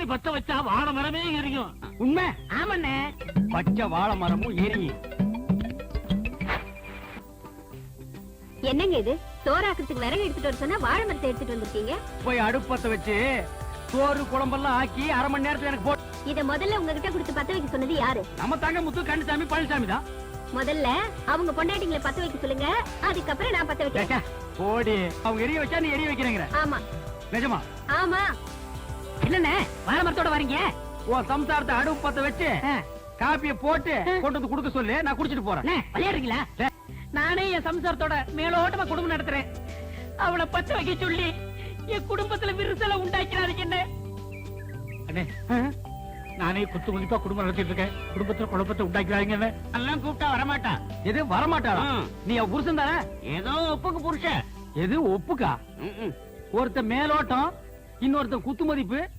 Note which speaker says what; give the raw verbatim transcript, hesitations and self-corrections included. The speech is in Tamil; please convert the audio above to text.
Speaker 1: பத்த வச்சா வாழை மரமே எரியும்.
Speaker 2: உண்மை.
Speaker 3: ஆமாண்ணே.
Speaker 2: பச்சை வாழை மரமும் எரியும்.
Speaker 4: என்னங்க இது? சோறாக்குறதுக்கு விறகு எடுத்துட்டு வர சொன்னா வாழை மரத்தை எடுத்துட்டு வந்திருக்கீங்க.
Speaker 2: போய் அடுப்பத்த வச்சு சோறு குழம்பெல்லாம் ஆக்கி அரை மணி நேரத்துல எனக்கு போட்டு.
Speaker 4: இத முதல்ல உங்ககிட்ட கொடுத்து பத்த வைக்க சொன்னது யாரு?
Speaker 2: நம்ம தாங்க முத்து கண்ணுசாமி பழனிசாமி தான்.
Speaker 4: முதல்ல அவங்க பொண்டாட்டிங்களை பத்த வைக்க சொல்லுங்க, அதுக்கப்புறம் நான் பத்த வைக்கிறேன்.
Speaker 2: போடி, அவங்க எரிய வச்சா நீ எரிய வைக்கிறேங்கிற?
Speaker 4: ஆமா.
Speaker 2: நிஜமா?
Speaker 4: ஆமா.
Speaker 3: என்னண்ணே வாழை மரத்தோட வரீங்க?
Speaker 2: உன் சம்சாரத்தை அடுப்பு பத்த வச்சு காப்பிய போட்டு கொண்டு வந்து குடுக்க சொல்லு, நான் குடிச்சிட்டு போறேன்.
Speaker 3: விளையாடுறீங்களா? நானே என் சம்சாரத்தோட மேலோட்டமா குடும்பம் நடத்துறேன். அவளை பத்த வைக்க சொல்லி என் குடும்பத்துல விரிசலை உண்டாக்கிறாருங்க. என்ன
Speaker 1: அண்ணே, நானே குத்து மதிப்பா குடும்பம் நடத்திட்டு இருக்கேன். குடும்பத்துல குழப்பத்தை உண்டாக்கிறாங்க.
Speaker 2: எல்லாம் கூப்பிட்டா வரமாட்டா. எது வரமாட்டாளா? நீ அவ புருஷன் தானே?
Speaker 3: ஏதோ ஒப்புக்கு புருஷன்.
Speaker 2: எது ஒப்புக்கா? ஒருத்த மேலோட்டம், இன்னொருத்த குத்து மதிப்பு,